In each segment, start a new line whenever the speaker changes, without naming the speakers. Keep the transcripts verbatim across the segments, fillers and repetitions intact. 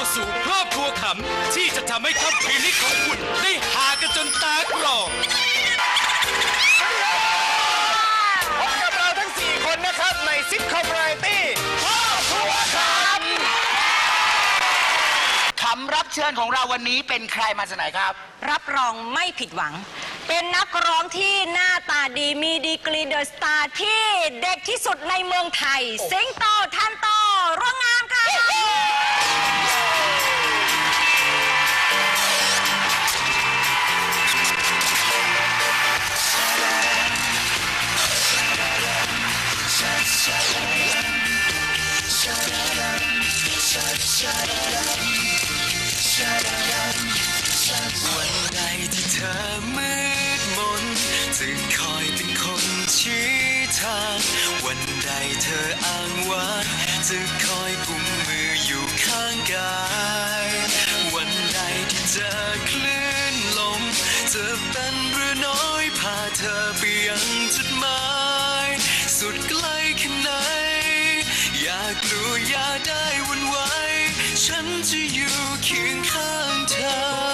สู่ครอบครัวขำที่จะทำให้ค่ำคืนนี้ของคุณได้หากันจนตากรอง
พบกับเราทั้งสี่คนนะครับในซิทคอมวาไรตี้ครอบครัวขำ
ขำรับเชิญของเราวันนี้เป็นใครมาจากไหนครับ
รับรองไม่ผิดหวังเป็นนักร้องที่หน้าตาดีมีดีกรีเดอะสตาร์ที่เด็กที่สุดในเมืองไทยสิงโตทันโตร่วงงามค่ะ
วันใดที่เธอมืดมนจะคอยเป็นคนชี้ทางวันใดเธออ้างว้างจะคอยกุมมืออยู่ข้างกายวันใดที่เจอคลื่นลมจะเป็นเรือน้อยพาเธอไปยังจุดหมายสุดไกลแค่ไหนอย่ากลัวอย่าได้หวั่นไหวฉันจะอยู่เคียงข้างเธอ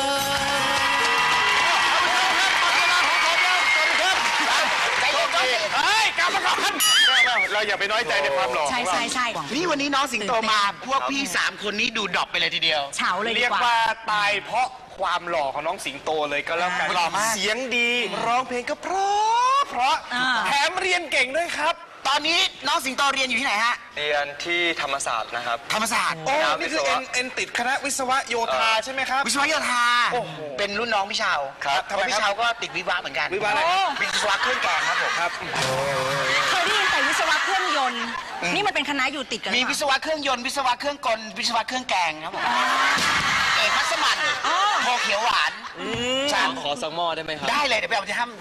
เราอย่าไปน้อยใจในความหล่อ
ใช่ใช่ใช่
นี่วันนี้น้องสิงโตมาพวกพี่สามคนนี้ดูดรอปไปเลยทีเดียว
เฉาเลยดี
เรียก
กว่า
ว่าตายเพราะความหล่อของน้องสิงโตเลยก็แล้วกันเสียงดีร้องเพลงก็เพราะเพราะแถมเรียนเก่งด้วยครับ
ตอนนี้น้องสิงโตเรียนอยู่ที่ไหนฮะ
เรียนที่ธรรมศาสตร์นะครับ
ธรรมศาสตร์
โอ้นี่คือเอ็นเอ็นติดคณะวิศวะโยธาใช่ไหมครับ
วิศวะโยธาเป็นรุ่นน้องพี่เชา
ครับ
ทำไมพี่เชาก็ติดวิศวะเหมือนกัน
วิศวะอะไร
วิศวะเครื่องแกงครับผมครับ
เคยได้ยินแต่วิศวะเครื่องยนต์นี่มันเป็นคณะอยู่ติดกัน
มีวิศวะเครื่องยนต์วิศวะเครื่องกลวิศวะเครื่องแกงครับผมเอกพัสมันโคเขียวหวาน
ขอสักหม้อได้ไหมครับ
ได้เลยเดี๋ยวไปเอาที่ห้าม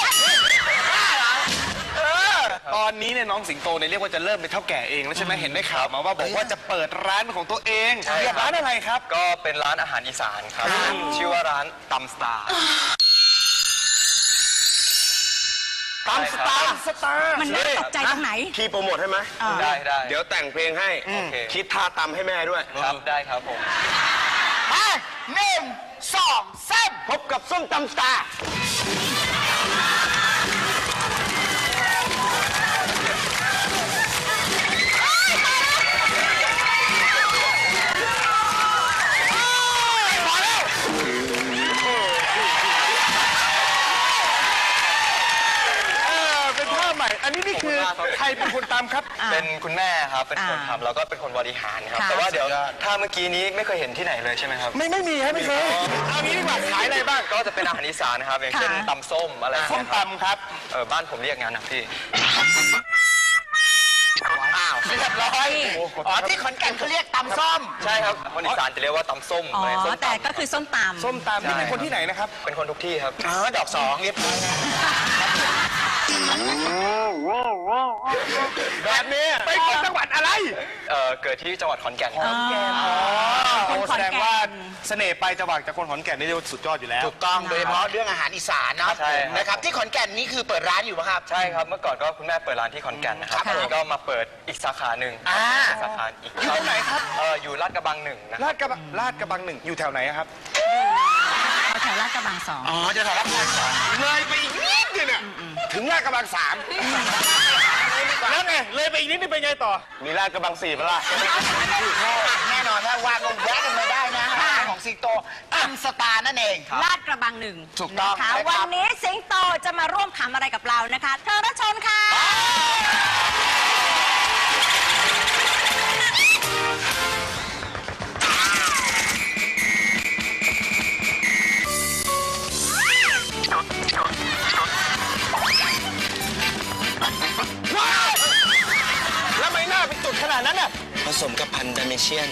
ตอนนี้เนี่ยน้องสิงโตเนี่ยเรียกว่าจะเริ่มเป็นเท่าแก่เองแล้วใช่ไหมเห็นได้ข่าวมาว่าบอกว่าจะเปิดร้านของตัวเองเรียกร้านอะไรครับ
ก็เป็นร้านอาหารอีสานครับชื่อว่าร้านตำสตาร์
ตำสตาร์สตาร์
มันน่าตกใจตรงไหน
พี่โปรโมทให้ไหม
ได้ได้
เดี๋ยวแต่งเพลงให้คิดท่าตำให้แม่ด้วย
ครับได้ครับผม
หนึ่งสองสาม
พบกับส้มตำสตาร์
อันนี้นี่คือใครเป็นคนตำครับ
เป็นคุณแม่ครับเป็นคนทำแล้วก็เป็นคนบริหารครับแต่ว่าเดี๋ยวถ้าเมื่อกี้นี้ไม่เคยเห็นที่ไหนเลยใช่ไหมครับ
ไม่ไม่มีครับไม่เคยเอางี้ดีกว่าขายอะไรบ้าง
ก็จะเป็นอาหารอีสานนะครับอย่างเช่นตำส้มอะไร
ส้มตำครับ
เออบ้านผมเรียกงั้นนะพี่
อ้าวเรียบร้อยอ๋อที่ขอนแก่นเขาเรียกตำส้ม
ใช่ครับคนอีสานจะเรียกว่าตำส้ม
อ๋อแต่ก็คือส้มตำ
ส้มตำนี่เป็นคนที่ไหนนะครับ
เป็นคนทุกที่ครับ
อ๋อดอกสองเรียบร้อย
แบบนี้ไปคนจังหวัดอะไร
เออเกิดที่จังหวัดขอนแก่นครับ
คนแสดงว่าเสน่ห์ไปจังหวัดจากคนขอนแก่นนี่เรียกว่าสุดยอดอยู่แล้ว
ถูกต้องโดยเฉพาะเรื่องอาหารอีสานเนาะนะครับที่ขอนแก่นนี่คือเปิดร้านอยู่ป่ะครับ
ใช่ครับเมื่อก่อนก็คุณแม่เปิดร้านที่ขอนแก่นนะครับทีนี้ก็มาเปิดอีกสาขาหนึ่งสาขาอีก
อยู่ตรงไหนครับ
เอออยู่ลาดกระบังหนึ่งนะ
ลาดกระบังลาดกระบังหนึ่งอยู่แถวไหนครับ
แถวลาดกระบังสอง
อ๋อจะแถวลาดกระบังสอง
เลยไปอีกนิดนึงเนี่ยถึงลาดกระบังสามแล้วไงเลยไปอีกนิดนึงไปไงต่อ
มีลาดกระบังสี่ปะล่ะ
แน่นอนถ้าว่างก็แวะกันมาได้นะของสิงโตตำสตาร์นั่นเอง
ลาดกระบังหนึ่ง
ถูกต้อง
นะคะวันนี้สิงโตจะมาร่วมขำอะไรกับเรานะคะเธอรัชชนค่ะ
แล้วไม่น่าเป็นจุดขนาดนั้นน่ะ
ผสมกับพันธุ์ดาเมเชียน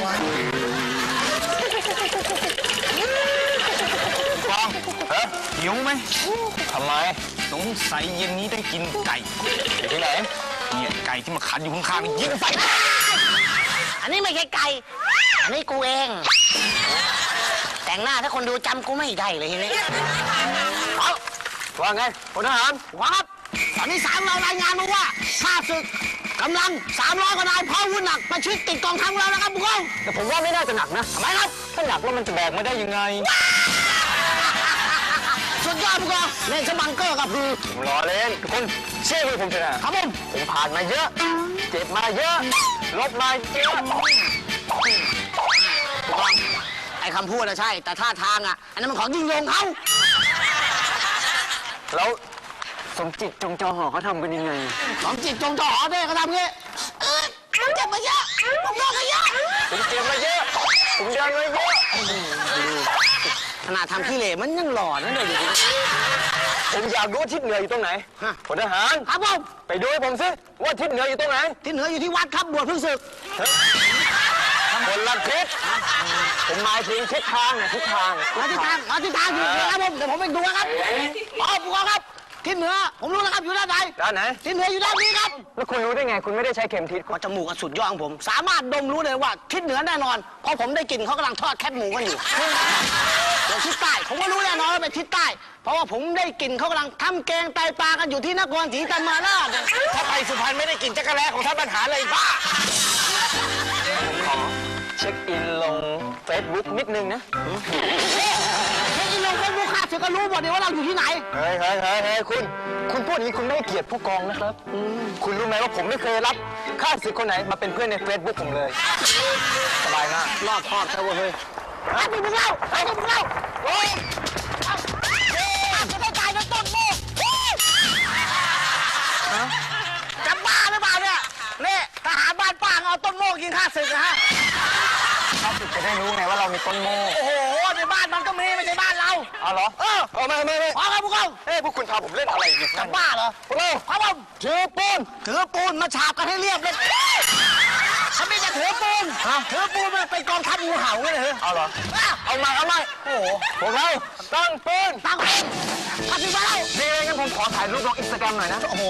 ฟองหิวไหม
ทำไม
สงสัยเย็นนี้ได้กินไก่
อยู่ที่ไหน
เนี่ยไก่ที่มาขันอยู่ข้างๆยิงใส่
อันนี้ไม่ใช่ไก่อันนี้กูเองแต่งหน้าถ้าคนดูจำกูไม่ได้เลยทีนี้
ว่าไงพลทหาร
วับตอนนี้สามเรารายงานมาว่าข้าศึกกำลังสามร้อยกว่านายพร้อมอาวุธหนักประชิดติดกองทัพเราแล้วครับผู้กอง
แต่ผมว่าไม่น่าจะหนักนะ
ทำไมครับ
ถ้าหนักแล้วมันจะแบกไม่ได้ยังไง
สุดยอดผู้กองเล่นสบังเกอร์กับคือ
ผมล้อเล่นทุกคนเชื่อมือผมเถอะนะครับ
ผม
ผมผ่านมาเยอะ เจ็บมาเยอะ ลบมาเยอะ
ผู้กองไอ้คำพูดนะใช่ แต่ท่าทางอ่ะอันนั้นมันของยิ่งยงเขา
แล้วสมจิตจงจอหอเขาทำกันยังไง
ของจิตจงจ่อหอเนี่ยเขาทำงี้เออผมเจ็บมาเยอะผมโดนมาเยอะ
ผมเจ็บมาเยอะ ผมเดินมาเยอะ
ขนาดทำขี้เหร่มันยังหล่อนะเดี๋ยวนี้
ผมอยากรู้ว่าทิศเหนืออยู่ตรงไหน
ฮะ
พลทหาร
ครับผม
ไปดูให้ผมสิว่าทิศเหนืออยู่ตรงไหน
ที่เหนืออยู่ที่วัดครับบวชเพิ่งศึก
คนละทิศผมหมายถึงทิศทางนะทิศทาง
มาที่ทางมาที่ทางอยู่ที่ครับผมเดี๋ยวผมไปดูนะครับอ๋อผู้กองครับที่เหนือผมรู้แล้วครับอยู่ด้านไหน
ด้านไหน
ที่เหนืออยู่ด้านนี้ครับ
แล้วคุณรู้ได้ไง คุณไม่ได้ใช้เข็มทิศ
พอจมูกอันสุดยอดของผม สามารถดมรู้เลยว่าทิศเหนือแน่นอนเพราะผมได้กลิ่นเขากำลังทอดแคบหมูกันอยู่ส่วนทิศใต้ผมก็รู้แน่นอนว่าเป็นทิศใต้ เพราะว่าผมได้กลิ่นเขากำลังทำแกงไตปลากันอยู่ที่นครศรีธรรมราช
ถ้าไปสุพรรณไม่ได้กินจักรแลของท่านปัญหาเลยบ้า
ขอเช็คอินลงเฟซบุ๊กนิดนึงนะ
เฮ้ยลงเฟซบุ๊กข้าเสือก็รู้หมดเลยว่าเราอยู่ที่ไหน
เฮ้ยเฮ้ยเฮ้ยเฮ้ยคุณ คุณพูดอย่างนี้คุณไม่ให้เกียรติผู้กองนะครับ คุณรู้ไหมว่าผมไม่เคยรับข้าศึกคนไหนมาเป็นเพื่อนในเฟซบุ๊กผมเลย สบายมาก
รอบคอบซะเว้ยไอ้ที่มึงเล่าไอ้ที่มึงเล่าโอ้ยข้าจะได้ตายในต้นโมกจะบ้าหรือเปล่าเนี่ยนี่ทหารบ้านป้าเอาต้นโมกยิงข้าศึกนะฮะ
ข้าศึกจะได้รู้ไงว่าเรามีต้นโม่
โอ้โหในบ้านมันก็มีไม่ใช่บ้านเรา
เอาเหรอ
เออ
เอาไม่ไม่ไม่
พอครับพวกเรา
เฮ้ยพวกคุณพาผมเล่นอะไรเนี่ย
จะบ้าเหรอ
พวกเรา
ครับผมถือปูนถือปูนมาฉาบกันให้เรียบเลยเขาไม่จะถือปูนถือปูนมันเป็นกองทัพงูเห่าเลยเหรอ
เอาเหรอ
อ้าว
เอามาเอามาโอ้โหพวกเราตั้งปืน
ตั้งเป็นข้าถึงมาแล้ว
นี่งั้นผมขอถ่ายรูปลงอินสตาแกรมหน่อยนะ
โอ้โห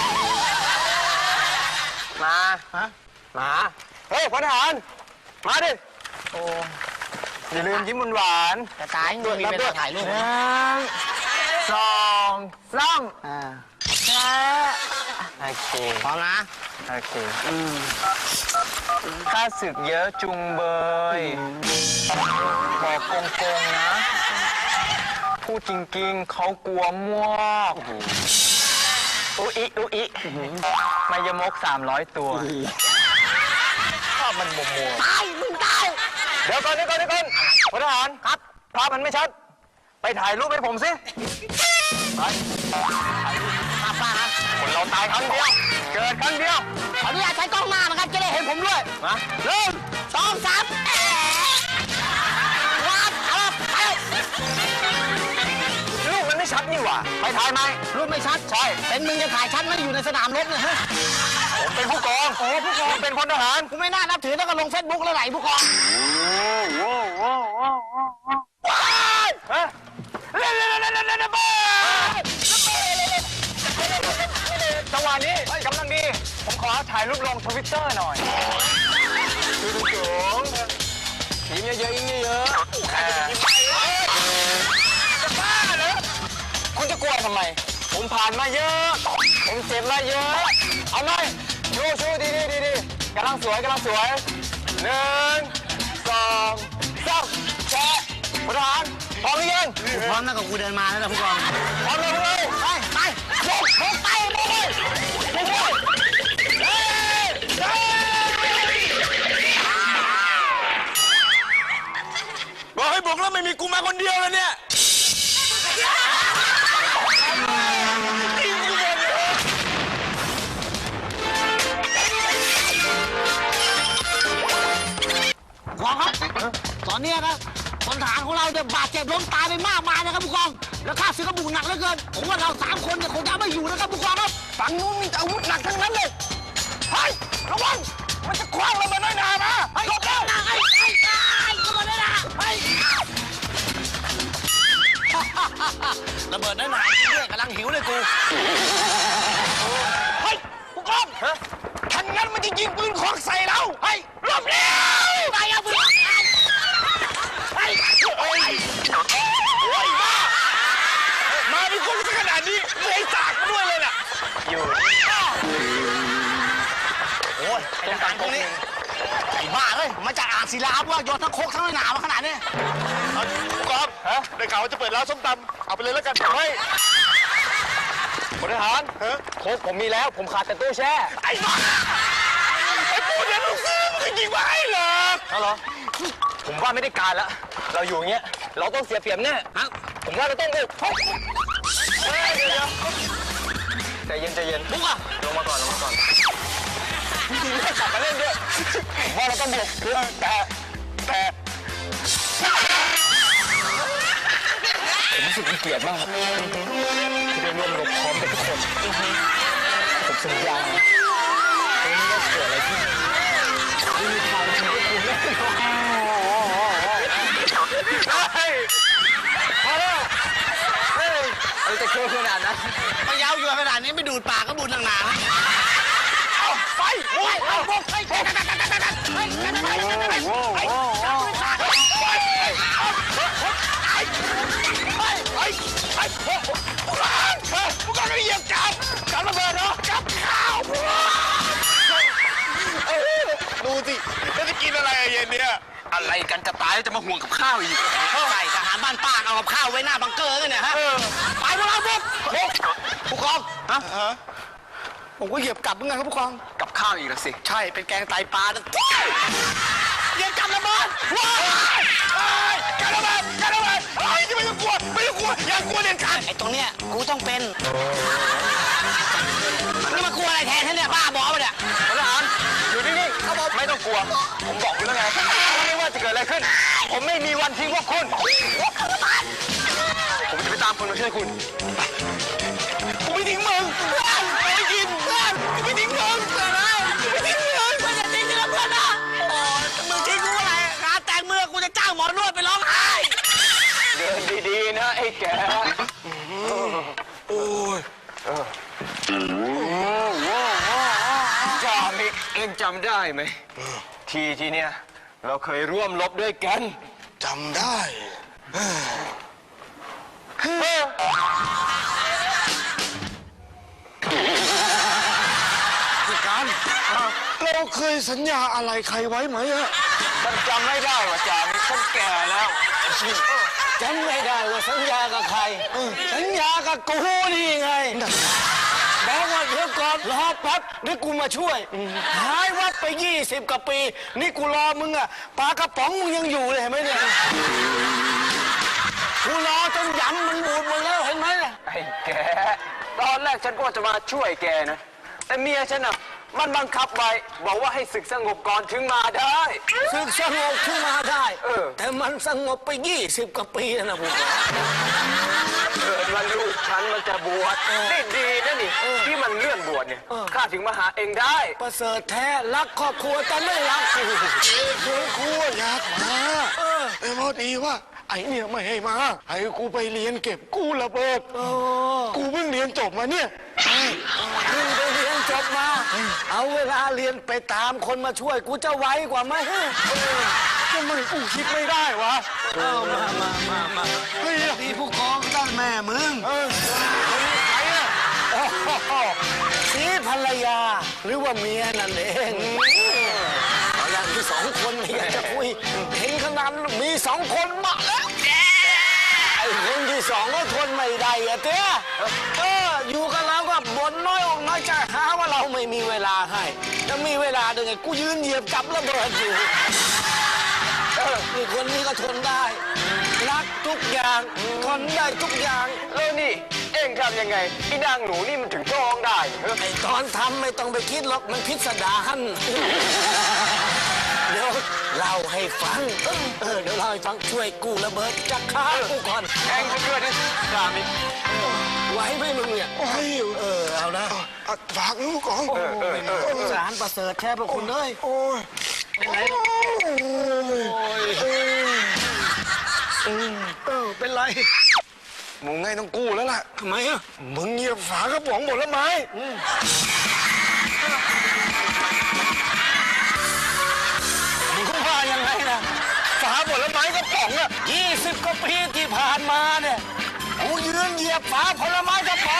มา
ฮะ
มา เฮ้ยพลทหาร มาดิ โอ้อย่าลืมยิ้มหวาน
จะตายไม่มีเวลาถ่ายรูป
หนึ่งสองสาม
อ่า
โอเค
พร้อมนะ
โอเคข้าศึกเยอะจุงเบย บอกโกงๆนะ พูดจริงๆ เขากลัวมวกอุอิอุอิมายมกสามร้อยตัวภาพมันมัวมัว
ตายมึงตาย
ๆเดี๋ยวก่อนเดี๋ยวก่อนเดี๋ยวก่อนพลทหารครับภาพมันไม่ชัด ไปถ่ายรูปให้ผมสิไป
มาป้านะ
คนเราตายครั้งเดียว เกิดครั้งเดียว
ขออนุญาตใช้กล้องหน้านะครับจะได้เห็นผมด้วย
มา
หนึ่งสองสามแอะวัดเอาละไป
รูปมันไม่ชัดนี่หว่า ไปถ่ายไหม
รูปไม่ชัด
ใช่
เป็นมึงจะถ่ายชัดไหมอยู่ในสนามรบเนี่ยฮะ
ผมเป็นผู้กองโอ้ผู้กองเป็นพลทหาร
กูไม่น่านับถือแล้วก็ลงเฟซบุ๊กแล้วไหลผู้กอง
ฮะจังหวะนี้กำลังดี ผมขอถ่ายรูปลงทวิตเตอร์หน่อยดูสูงๆยิ้มเยอะๆยิ้มเยอะๆอ่าจะบ้าเหรอคุณจะกลัวทำไม ผมผ่านมาเยอะ ผมเจ็บมาเยอะ เอาไหมชูชูดีดีดีดีกำลังสวยกำลังสวยหนึ่งสองสามแชะพลทหารพร้อมหรือยัง
พร้อมแล้วกับกูเดินมาแล้วนะผู้กอง
พร้อมเลยพวกเรา
ไปไปลงลงไปไปเลย
ไปเลยเฮ้ยเฮ้ย
บอกให้บุกแล้วไม่มีกูมาคนเดียวเลยเนี่ย
ขอครับตอนนี้นะพลทหารของเราเนี่ยบาดเจ็บล้มตายไปมากมายนะครับผู้กองแล้วข้าศึกก็บุกหนักเหลือเกินผมว่าเราสามคนเนี่ยคงจะไม่อยู่นะครับผู้กองครับ
ฝั่งนู้นมีแต่อาวุธหนักทั้งนั้นเลยเฮ้ยระวัง มันจะคว้างเรามาน้อยหนานะ
ไอ้เจ้าหน้าไอ้ไอ้ไอ้ระเบิดได้นะไอ้ระเบิดได้หนาจริงด้วยกำลังหิวเลยกู
เฮ้ยผู้กองทันงั้นมันจะยิงปืนควักใส่เราเฮ้ยหลบเร็ว
ตายเอาปืน
เฮ้ยโอ้ยโอ้ยบ้ามาเป็นคนซะขนาดนี้เลยสากมาด้วยเลยน่ะ
อยู่
ทหารคนนี้ไอ้บ้าเลยมาจากอ่างศิลาว่าโยนทั้งโคกทั้งหนามาขนาดนี้
ผู้กองฮะได้ข่าวว่าจะเปิดร้านส้มตำเอาไปเลยแล้วกันเฮ้ย
พลทหารโคกผมมีแล้ว ผมขาดแต่ตู้แช่
ไอ้บ้าไอ้ปูเนี่ยมึงซื้อมึงยิงมาให้เหรอ
เอาเหรอ ผมว่าไม่ได้การแล้ว เราอยู่อย่างเงี้ย เราต้องเสียเปรียบแน่ฮะผมว่าเราต้องบุกเฮ้ยเดี๋ยวเดี๋ยวใจเย็นใจเย็นบุกอ่ะลงมาก่อนลงมาก่อนทีนี้กลับมาเล่นด้วยผมว่าเราต้องบุกแต่แต่ผมรู้สึกมีเกียรติมากที่ได้ร่วมรบพร้อมกับทุกคนผมสัญญาไม่ว่าเกิดอะไรขึ้นไม่มีทางที่พวกคุณแน่นอนเฮ้ยพอแล้วเฮ้ยอะไรจะเกินขนาดนั้น
มายาวอยู่ขนาดนี้ไม่ดูดปากก็บูดหนาๆเอาไปโอ้ยเอาพวกไปไปไปไปไปไปผู้กองไม่เหยียบจับจับระเบิดเหรอจับข้าวพวก
ดูสิแล้วจะกินอะไรเย็นเนี่ย
อะไรกันจะตายแล้วจะมาห่วงกับข้าวอีก
ใช่ทหารบ้านป้าเอากับข้าวไว้หน้าบังเกอร์กันเนี่ยฮะไปพวกเราพวกผู้กองฮะผมก็เหยียบกลับเหมือนกันครับผู้กอง
กับข้าวอีกแล้วสิ
ใช่เป็นแกงไตปลาเหยียบกลับระเบิดว้าย
กันระเบิดกันระเบิดเฮ้ยไม่ต้องกลัวไม่ต้องกลัวอย่ากลัวเด็ดขาด
ไอ้ตรงเนี้ยกูต้องเป็นแล้วมากลัวอะไรแทนท่านเนี่ยบ้าบอปะเนี่ย
พลทหารอยู่นิ่งๆไม่ต้องกลัว ผมบอกคุณแล้วไงไม่ว่าจะเกิดอะไรขึ้น ผมไม่มีวันทิ้งพวกคุณ ผมจะไปตามคนมาช่วยคุณ
กูไม่ทิ้งมึงไม่กินเพื่อนกูไม่ทิ้งมึงเพื่อนนะกูไม่ทิ้งมึง
เพื่อนจะทิ้งกันแล้วเพื่อนนะโอ้ยมึงทิ้งกูอะไรงานแต่งเมื่อกูจะจ้างหมอนวดไปร้องไห้
เดินดีๆนะไอ้แกโอ้ยจามิกเองจำได้ไหม ทีทีเนี้ยเราเคยร่วมรบด้วยกัน
จำได้ พี่การเราเคยสัญญาอะไรใครไว้ไหมอะ
ฉันจำไม่ได้ว่าจามิกฉันแก่แล้วจำไม่ได้ว่าสัญญากับใคร สัญญากับกูนี่ไงบอกว่าเดี๋ยวก่อนรอแป๊บนี่กูมาช่วย หายวับไปยี่สิบกว่าปี นี่กูรอมึงอะปลากระป๋องมึงยังอยู่เลยเห็นไหมเนี่ยกูรอจนยำมันบูดหมดแล้วเห็นไหมเนี่ยไอ้แกตอนแรกฉันก็จะมาช่วยแกนะแต่เมียฉันอะมันบังคับไว้บอกว่าให้ศึกสงบก่อนถึงมาได้ศึกสงบถึงมาได้เออแต่มันสงบไปยี่สิบกว่าปีแล้วนะผมเกิดวันลูกฉันมันจะบวชนี่ดีนะนี่ที่มันเลื่อนบวชเนี่ยข้าถึงมาหาเองได้ประเสริฐแท้รักครอบครัวแต่ไม่รักกู
คือกูอยากมาเออพอดีว่าไอ้เนี่ยไม่ให้มาให้กูไปเรียนเก็บกู้ระเบิดกูเพิ่งเรียนจบมาเนี่ย
เพิ่งไปเรียนจบมา เอาเวลาเรียนไปตามคนมาช่วยกูจะไวกว่าไหม
ทำไมกูคิดไม่ได้วะ
เอามามามามา
เฮ้ย
มีผู้กองได้แม่มึง
เออใครอะ
สีภรรยาหรือว่าเมียนั่นเองเอาอย่างที่สองคนไม่อยากจะคุยเห็นขนาดมีสองคนมาแล้วไอ้คนที่สองก็ทนไม่ได้อะเต้เอออยู่กับเราก็บ่นน้อยอกน้อยใจหาว่าเราไม่มีเวลาให้จะมีเวลาได้ไงกูยืนเหยียบกับระเบิดอยู่เออนี่คนนี้ก็ทนได้รักทุกอย่างทนได้ทุกอย่างแล้วนี่เอ็งทำยังไงไอ้นางหนูนี่มันถึงท้องได้ไอ้ตอนทำไม่ต้องไปคิดหรอกมันพิสดารเดี๋ยวเล่าให้ฟังเออเดี๋ยวเล่าให้ฟังช่วยกู้ระเบิดจากข้ากูก่อนแองจะช่วยนะจามิไหวไหมมึงเนี่ย
โอ้ย
เออเอานะ
อ่ะฝากลูกก่อน
สารประเสริฐแค่พวกคุณเลย
โอ้ย
เป็นไรเออเป็นไร
มึงไงต้องกู้แล้วล่ะ
ทำไมอ่ะ
มึงเหยียบฝากระป๋องหมดแล้วไหม
มึงว่ายังไงนะ
ฝาหมดแล้วไหมกระป๋องอะ
ยี่สิบกว่าปีที่ผ่านมาเนี่ยกูยืนเหยียบฝาผลไม้กระป๋อง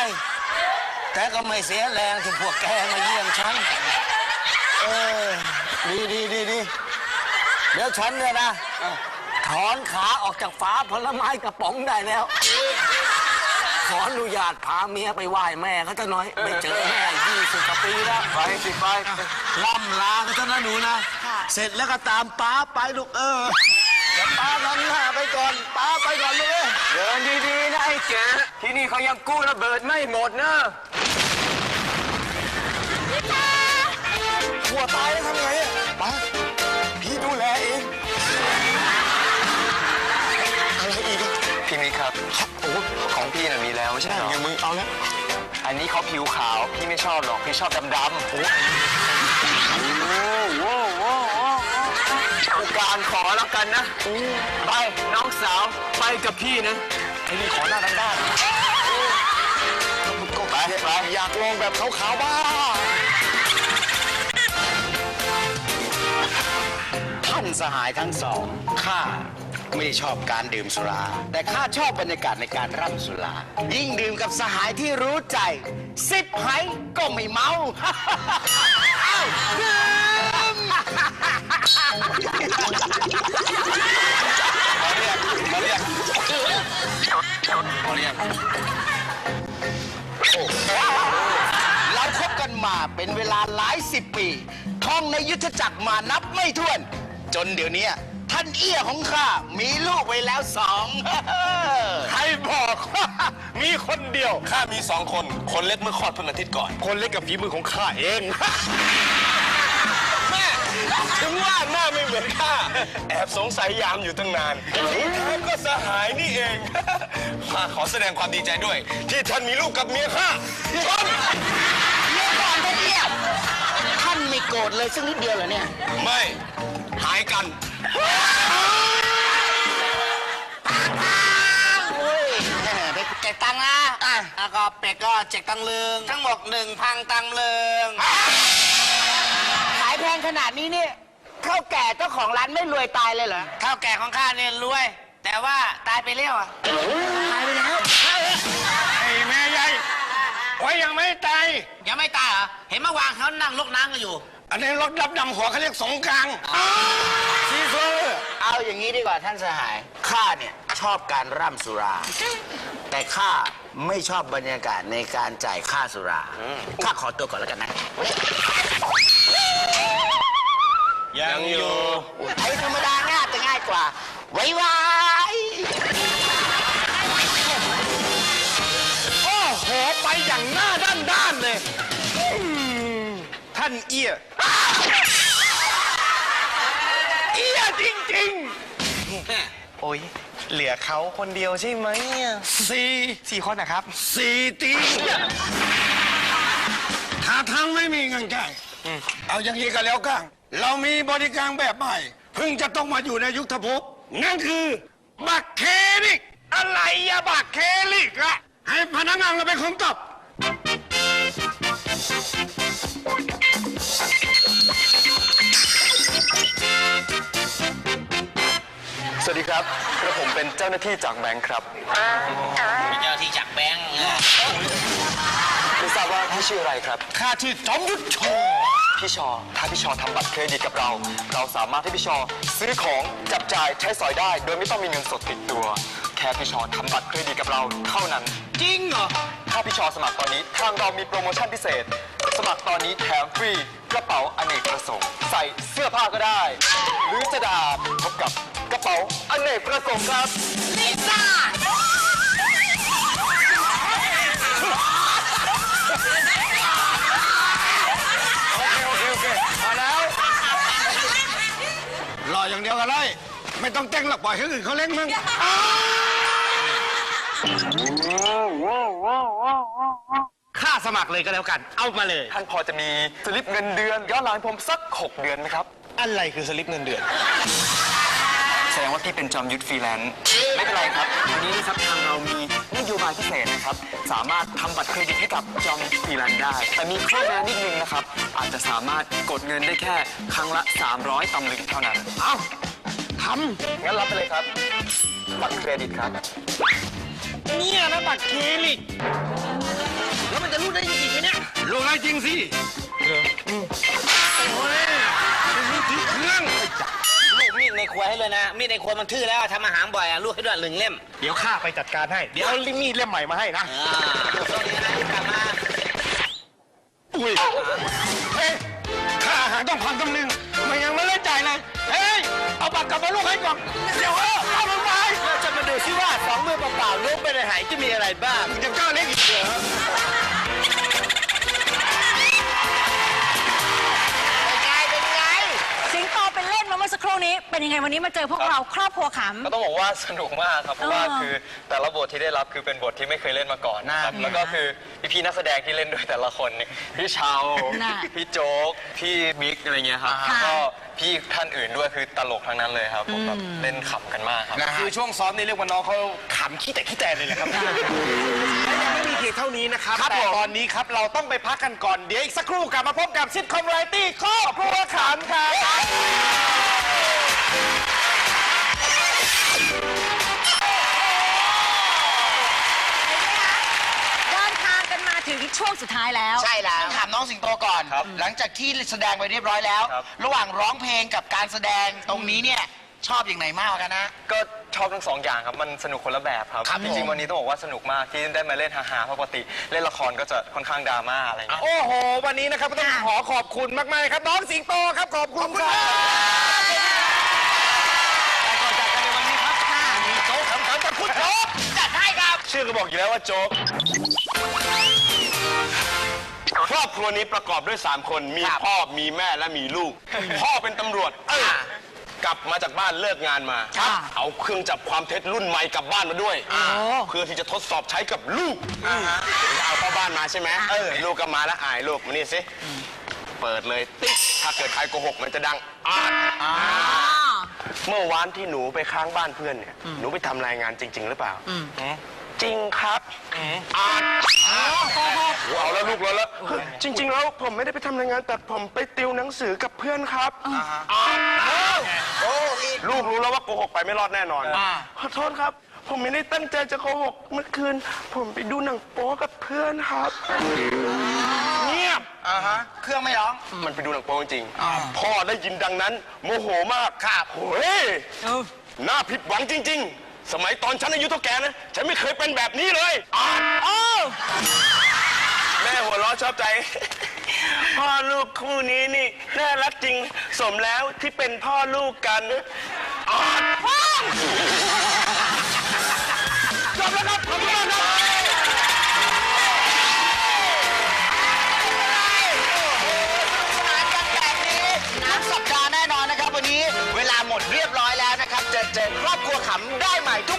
แต่ก็ไม่เสียแรงที่พวกแกมาเยี่ยมฉัน เออ ดีดีดีดีเดี๋ยวฉันเนี่ยนะ ถอนขาออกจากฝาผลไม้กระป๋องได้แล้ว ขออนุญาตพาเมียไปไหว้แม่เขาจะหน่อย ไม่เจอแม่ยี่สิบกว่าปีแล้ว
ไปสิไป
ล่ำลากันเถอะนะหนูนะ เสร็จแล้วก็ตามป้าไปลูกเออเดี๋ยวป้านำหน้าไปก่อน ป้าไปก่อนลูกเอ้ย
เดินดีๆนะไอ้แกที่นี่เขายังกู้ระเบิดไม่หมดนะ
หัวตายแล้วทำไงอะป้าพี่ดูแลเอง อะไรอีกอะ
พี่มิกครับ
โอ้
ของพี่น่ะมีแล้วไม่ใช่เหรอ
ยังมึงเอาแล้ว
อันนี้เขาผิวขาวพี่ไม่ชอบหรอกพี่ชอบดำๆโอ้โหผู้การขอแล้วกันนะไปน้องสาวไปกับพี่นะไอ้นี่ขอหน้าด้านๆ
ก็ไปไปอยากลองแบบขาวๆบ้าง
ท่านสหายทั้งสองข้าไม่ได้ชอบการดื่มสุรา แต่ข้าชอบบรรยากาศในการร่ำสุรา ยิ่งดื่มกับสหายที่รู้ใจ สิบไหก็ไม่เมา เอ้าดื่มมาเรียกมาเรียกมาเรียกเราคบกันมาเป็นเวลาหลายสิบปี ท่องในยุทธจักรมานับไม่ถ้วน จนเดี๋ยวนี้ท่านเอี้ยของข้ามีลูกไว้แล้วสอง
ใครบอกว่ามีคนเดียว ข้ามีสองคน คนเล็กเมื่อคลอดเพิ่งอาทิตย์ก่อน คนเล็กกับฝีมือของข้าเอง แม่ ถึงว่าหน้าไม่เหมือนข้า แอบสงสัยยามอยู่ตั้งนานที่แท้ก็สหายนี่เอง ข้าขอแสดงความดีใจด้วย ที่ท่านมีลูกกับเมียข้าชน
เดี๋ยวก่อนท่านเอี้ยท่านไม่โกรธเลยสักนิดเดียวเหรอเนี่ย
ไม่ หายกัน
เป็ดเจ็กตังนะอ่ะแล้วก็เป็ดก็เจ็กตังลึงทั้งหมดหนึ่งพันตังลึงขายแพงขนาดนี้เนี่ยเท่าแก่เจ้าของร้านไม่รวยตายเลยเหรอเท่าแก่ของข้าเนี่ยรวย แต่ว่าตายไปเร็วอ่ะตายไปแล้ว
ไอ้แม่ใหญ่ไว้ยังไม่ตาย
ยังไม่ตายเหรอเห็นเมื่อวานเขานั่งลกน้ำกันอยู่
อันนี้รถดับดำหัวเขาเรียกสงกรางซีเฟอร์
เอาอย่างนี้ดีกว่าท่านสหาย ข้าเนี่ยชอบการร่ำสุรา แต่ข้าไม่ชอบบรรยากาศในการจ่ายค่าสุรา ข้าขอตัวก่อนแล้วกันนะ
ยังอยู่
ไอ้ธรรมดาง่ายจะง่ายกว่า ไว้ไว้
โอ้โห ไปอย่างหน้าด้านๆเลยอืมท่านเอี้ย เอี้ยจริงๆ
โอ้ยเหลือเขาคนเดียวใช่ไหม
สี่
สี่คนนะครับ
สี่ตีถ้าทางไม่มีเงินจ่ายเอาอย่างนี้ก็แล้วกันเรามีบริการแบบใหม่ เพิ่งจะต้องมาอยู่ในยุคทภพนั่นคือ บัตรเครดิตอะไรอะบัตรเครดิตอะให้พนักงานเราเป็นคนตอบ
สวัสดีครับกระผมเป็นเจ้าหน้าที่จากแบงค์ครับ
มีเจ้าที่จากแบงค์
ไม่ทราบว่าพี่ชื่ออะไรครับ
ข้าชื่อจอมยุทธโช
พี่ชอ ถ้าพี่ชอทำบัตรเครดิตกับเรา เราสามารถให้พี่ชอซื้อของจับจ่ายใช้สอยได้ โดยไม่ต้องมีเงินสดติดตัว แค่พี่ชอทำบัตรเครดิตกับเราเท่านั้น
จริงเหรอ
ถ้าพี่ชอสมัครตอนนี้ทางเรามีโปรโมชั่นพิเศษ สมัครตอนนี้แถมฟรีกระเป๋าอเนกประสงค์ใส่เสื้อผ้าก็ได้ หรือจะดาบพบกับกระเป๋าอเนกประสงค์ครับ
ลิซ่า
โอเค โอเค โอเค มาแล้วรออย่างเดียวกันเลยไม่ต้องเต้นหรอกปล่อยให้อื่นเขาเล่นมึง
ค่าสมัครเลยก็แล้วกัน เอามาเลย
ท่านพอจะมีสลิปเงินเดือนย้อนหลังผมสักหกเดือนไหมครับ
อะไรคือสลิปเงินเดือน
แสดงว่าพี่เป็นจอมยุทธฟรีแลนซ์ไม่เป็นไรครับวันนี้นะครับทางเรามีนโยบายพิเศษนะครับ สามารถทำบัตรเครดิตให้กับจอมยุทธฟรีแลนซ์ได้ แต่มีข้อแม้นิดนึงนะครับ อาจจะสามารถกดเงินได้แค่ครั้งละ สามร้อยตำลึงเท่านั้น
เอาท
งั้นรับไปเลยครับ บัตรเครดิตครับ
ำเนี่ยนะบัตรเครดิต
ลูกได้จริงไหมเนี่ย
ลูกได้จริงสิโอ้ยลูกถือเครื่อง
ลูกมีดในครัวให้เลยนะ มีดในครัวมันทื่อแล้วทำอาหารบ่อยอ่ะลูกให้ด้วยหนึ่งเล่ม
เดี๋ยวข้าไปจัดการให้ เดี๋ยวเอามีดเล่มใหม่มาให้นะ
อ่าลูกต้องนี้นะกลับมา
อุ้ย
เฮ้ยค่าอาหารต้องพันกำนึงมันยังไม่ได้จ่ายเลยเฮ้ยเอาบัตรกลับมาลูกให้ก่อนเดี๋ยวเออเอามันไป
เราจะมาดูซิว่าสองมือเปล่าๆลูกไม่ได้หายจะมีอะไรบ้าง
มึงจะกล้าเล่นอีกเหรอ
เป็นไงเป็นไง
สิงโตเป็นเล่นมาเมื่อสักครู่นี้เป็นยังไงวันนี้มาเจอพวกเราครอบครัวข
ก็ต้องบอกว่าสนุกมากครับเพราะว่า
เออ
คือแต่ละบทที่ได้รับคือเป็นบทที่ไม่เคยเล่นมาก่อนนะครับแล้วก็คือพี่ๆนักแสดงที่เล่นด้วยแต่ละคนเนี่ยพี่เชา
น่ะ
พี่โจ๊กพี่บิ๊กอะไรเงี้ยครับ
ค่ะ
ก็พี่ท่านอื่นด้วยคือตลกทั้งนั้นเลยครับผมแบบเล่นขำกันมากครับ
คือช่วงซ้อมนี่เรียกว่าน้องเขาขำขี้แต่ขี้แต่เลยแหละครับและยังไม่มีเพียงเท่านี้นะครับ แต่ตอนนี้ครับเราต้องไปพักกันก่อน เดี๋ยวอีกสักครู่กลับมาพบกับซิทคอมไรตี้ครอบครัวขำครับ
เดินทางกันมาถึงช่วงสุดท้ายแล้ว
ใช่แล้วถามน้องสิงโตก่อน หลังจากที่แสดงไปเรียบร้อยแล้ว ระหว่างร้องเพลงกับการแสดงตรงนี้เนี่ยชอบอย่างไหนมากกว่ากันนะ
ก็ชอบทั้งสองอย่างครับมันสนุกคนละแบบครับ
ครับ
จริง
ผม
ๆวันนี้ต้องบอกว่าสนุกมากที่ได้มาเล่นฮาๆเพราะปกติเล่นละครก็จะค่อนข้างดราม่าอะไรเงี้ย
โอ้โห วันนี้นะครับก็ต้องขอขอบคุณมากๆครับ น้องสิงโตครับ ขอบคุณครับแต่ก่อนจากกันในวันนี้ครับมีโจ๊กขำๆกับคุณโจ๊ก
จัดให้ครับ
ชื่อก็บอกอยู่แล้วว่าโจ๊ก ครอบครัวนี้ประกอบด้วย สาม คน มีพ่อ มีแม่ และมีลูก พ่อเป็นตำรวจ เอ้ยกลับมาจากบ้านเลิกงานมา
ครับ
เอาเครื่องจับความเท็จรุ่นใหม่กลับบ้านมาด้วย เพื่อที่จะทดสอบใช้กับลูกเอาเข้าบ้านมาใช่ไหมเออ ลูกก็มาแล้วอายลูกมานี่สิ เปิดเลยติ๊กถ้าเกิดใครโกหกมันจะดังอาดเมื่อวานที่หนูไปค้างบ้านเพื่อนเนี่ย หนูไปทำรายงานจริง ๆ หรือเปล่า จริงครับอาดเอาแล้วลูกแล้วแล้วจริง ๆ แล้วผมไม่ได้ไปทำรายงาน แต่ผมไปติวหนังสือกับเพื่อนครับอาดลูกรู้แล้วว่าโกหกไปไม่รอดแน่นอนขอโทษครับ ผมไม่ได้ตั้งใจจะโกหกเมื่อคืน ผมไปดูหนังโป๊กับเพื่อนครับเงียบ
อ่าฮะ เครื่องไม่ร้อง
มันไปดูหนังโป๊จริงๆพ่อได้ยินดังนั้น โมโหมากครับโอ้ยน่าผิดหวังจริง ๆ สมัยตอนฉันอายุเท่าแกนะ ฉันไม่เคยเป็นแบบนี้เลยอ่านแม่หัวเราะชอบใจ พ่อลูกคู่นี้นี่ น่ารักจริง สมแล้วที่เป็นพ่อลูกกันอ่านจบแล้วครับขอบคุณมากครับ
น้ำสัปดาห์แน่นอนนะครับ วันนี้เวลาหมดเรียบร้อยแล้วนะครับ จะเจอครอบครัวขำได้ใหม่ทุก